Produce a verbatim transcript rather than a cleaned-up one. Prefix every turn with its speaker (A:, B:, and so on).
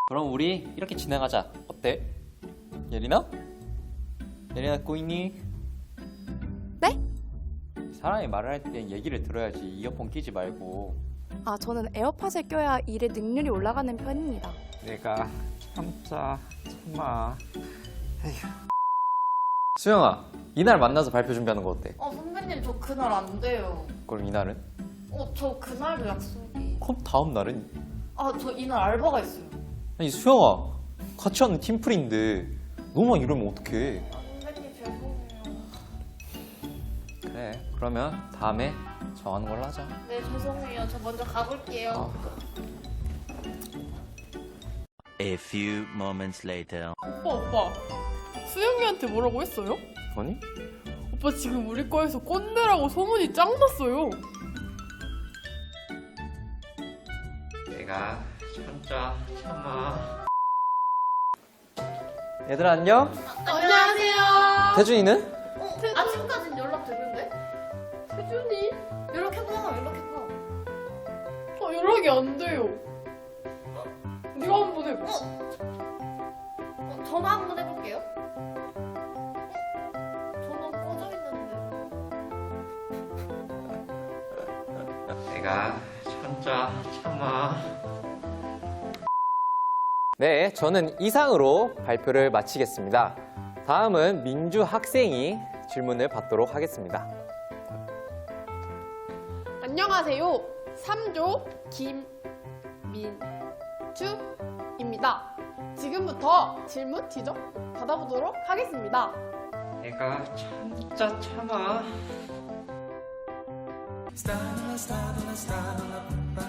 A: 그럼 우리 이렇게 진행하자. 어때? 예린아? 예린아 꼬이니?
B: 네?
A: 사람이 말을 할 땐 얘기를 들어야지. 이어폰 끼지 말고.
B: 아, 저는 에어팟을 껴야 일의 능률이 올라가는 편입니다.
A: 내가 참자 참아. 에휴. 수영아, 이날 만나서 발표 준비하는 거 어때?
C: 어, 선배님 저 그날 안 돼요.
A: 그럼 이날은?
C: 어, 저 그날도 약속이.
A: 그럼 다음 날은?
C: 아, 저 이날 알바가 있어요.
A: 아니 수영아, 같이 하는 팀플인데 너만 이러면 어떡해.
C: 아, 선배님 죄송해요.
A: 그래, 그러면 다음에 정하는 걸로 하자.
C: 네, 죄송해요. 저 먼저 가볼게요.
A: 어.
D: A few moments later.
E: 오빠 오빠 수영이한테 뭐라고 했어요?
A: 아니?
E: 오빠 지금 우리 과에서 꼰대라고 소문이 짱 났어요.
A: 내가 참자 참아. 얘들아 안녕?
C: 안녕하세요.
A: 태준이는?
C: 어, 아침까진 연락되는데?
E: 태준이?
C: 연락해봐, 연락해봐.
E: 어, 연락이 안 돼요. 네가 한번 해봐.
C: 어, 전화 한번 해볼게요. 어? 전화 꺼져 있는데.
A: 내가 참자 참아. 네, 저는 이상으로 발표를 마치겠습니다. 다음은 민주 학생이 질문을 받도록 하겠습니다.
E: 안녕하세요. 삼조 김민주입니다. 지금부터 질문 지적 받아보도록 하겠습니다.
A: 내가 참자 참아.